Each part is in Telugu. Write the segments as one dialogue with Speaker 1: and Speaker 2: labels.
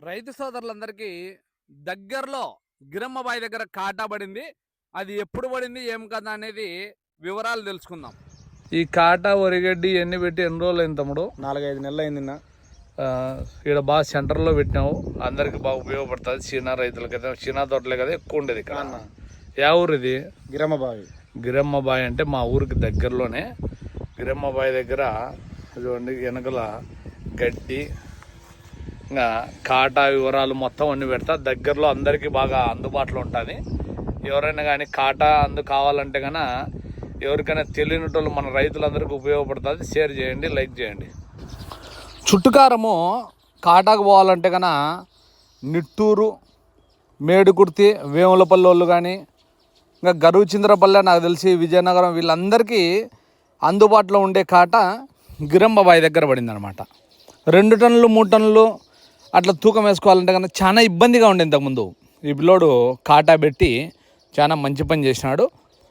Speaker 1: రైతు సోదరులందరికీ దగ్గరలో గిరమ్మబాయి దగ్గర కాటా పడింది. అది ఎప్పుడు పడింది ఏం కదా అనేది వివరాలు తెలుసుకుందాం.
Speaker 2: ఈ కాటా వరిగడ్డి ఎన్ని పెట్టి ఎన్ని రోజులు అయింది తమ్ముడు?
Speaker 3: 4-5 నెలలు అయింది.
Speaker 2: ఇక్కడ బాగా సెంటర్లో పెట్టినావు, అందరికి బాగా ఉపయోగపడుతుంది. చీనా రైతులకైతే చీనా తోటలే కదా ఎక్కువ ఉండేది ఇక్కడ. యా ఊరు ఇది?
Speaker 3: గిరమ్మబాయి.
Speaker 2: గిరమ్మబాయి అంటే మా ఊరికి దగ్గరలోనే. గిరమ్మబాయి దగ్గర చూడండి వెనకల గడ్డి ఇంకా కాటా వివరాలు మొత్తం అన్ని పెడతా. దగ్గరలో అందరికీ బాగా అందుబాటులో ఉంటుంది. ఎవరైనా కానీ కాటా కావాలంటే కన్నా ఎవరికైనా తెలియనిటోళ్ళు మన రైతులందరికీ ఉపయోగపడుతుంది. షేర్ చేయండి, లైక్ చేయండి.
Speaker 1: చుట్టుకారము కాటాకు పోవాలంటే కన్నా నిట్టూరు, మేడుకుర్తి, వేములపల్లి వాళ్ళు కానీ ఇంకా గరువుచింద్రపల్లె, నాకు తెలిసి విజయనగరం, వీళ్ళందరికీ అందుబాటులో ఉండే కాట గిరమ్మబాయి దగ్గర పడింది అనమాట. 2 టన్నులు 3 టన్నులు అట్లా తూకం వేసుకోవాలంటే కన్నా చాలా ఇబ్బందిగా ఉండే. ఇంతకుముందు ఈ పిల్లోడు కాటా పెట్టి చాలా మంచి పని చేసినాడు.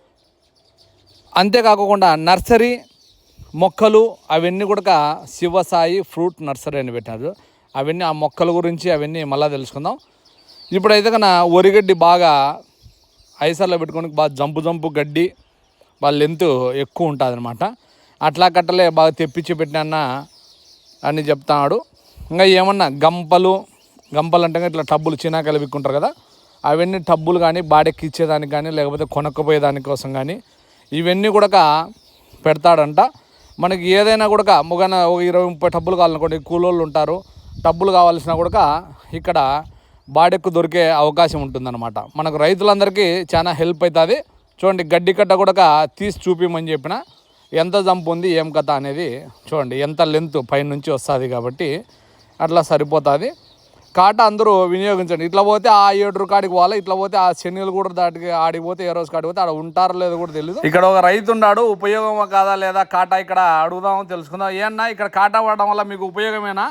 Speaker 1: అంతేకాకుండా నర్సరీ మొక్కలు అవన్నీ కూడా శివసాయి ఫ్రూట్ నర్సరీ అని పెట్టినారు. అవన్నీ ఆ మొక్కల గురించి అవన్నీ మళ్ళీ తెలుసుకుందాం. ఇప్పుడైతే కన్నా వరిగడ్డి బాగా ఐసర్లో పెట్టుకొని బాగా జంపు గడ్డి బాగా లెంత్ ఎక్కువ ఉంటుంది అనమాట. అట్లా కట్టలే బాగా తెప్పించి పెట్టినా అని చెప్తాడు. ఇంకా ఏమన్నా గంపలు అంటే ఇట్లా టబ్బులు చినాకాయలు విక్కుంటారు కదా, అవన్నీ టబ్బులు కానీ బాడెక్కి ఇచ్చేదానికి కానీ లేకపోతే కొనక్కపోయేదాని కోసం కానీ ఇవన్నీ కూడా పెడతాడంట. మనకి ఏదైనా కూడా ముగన 20-30 టబ్బులు కావాలనుకోండి, కూలోళ్ళు ఉంటారు, టబ్బులు కావాల్సిన కూడా ఇక్కడ బాడెక్కు దొరికే అవకాశం ఉంటుందన్నమాట. మనకు రైతులందరికీ చాలా హెల్ప్ అవుతుంది. చూడండి గడ్డి కట్ట కూడా తీసి చూపిమని చెప్పిన ఎంత జంపు ఉంది ఏం కథ అనేది చూడండి. ఎంత లెంత్ పైనుంచి వస్తుంది కాబట్టి అట్లా సరిపోతుంది. కాట అందరూ వినియోగించండి. ఇట్లా పోతే ఆ 7 కాడికి పోవాలి, ఇట్లా పోతే ఆ శనిలు కూడా దాటికి ఆడికి పోతే ఏ రోజు కాడికి పోతే ఆడ ఉంటారో లేదో కూడా తెలియదు. ఇక్కడ ఒక రైతు ఉన్నాడు, ఉపయోగమా కాదా లేదా కాటా ఇక్కడ అడుగుదామని తెలుసుకుందాం. ఏమన్నా ఇక్కడ కాటా పడడం వల్ల మీకు ఉపయోగమేనా?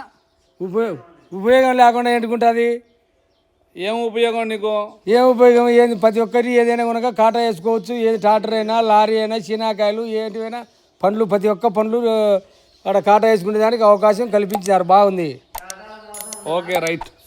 Speaker 3: ఉపయోగం లేకుండా ఎందుకుంటుంది?
Speaker 1: ఏం ఉపయోగం నీకు?
Speaker 3: ఏం ఉపయోగం? ఏది ప్రతి ఒక్కరి ఏదైనా కనుక కాటా వేసుకోవచ్చు. ఏది ట్రాక్టర్ అయినా, లారీ అయినా, చీనాకాయలు ఏంటివైనా పండ్లు, ప్రతి ఒక్క పండ్లు అక్కడ కాటా వేసుకునే దానికి అవకాశం కల్పించారు. బాగుంది.
Speaker 1: Okay right.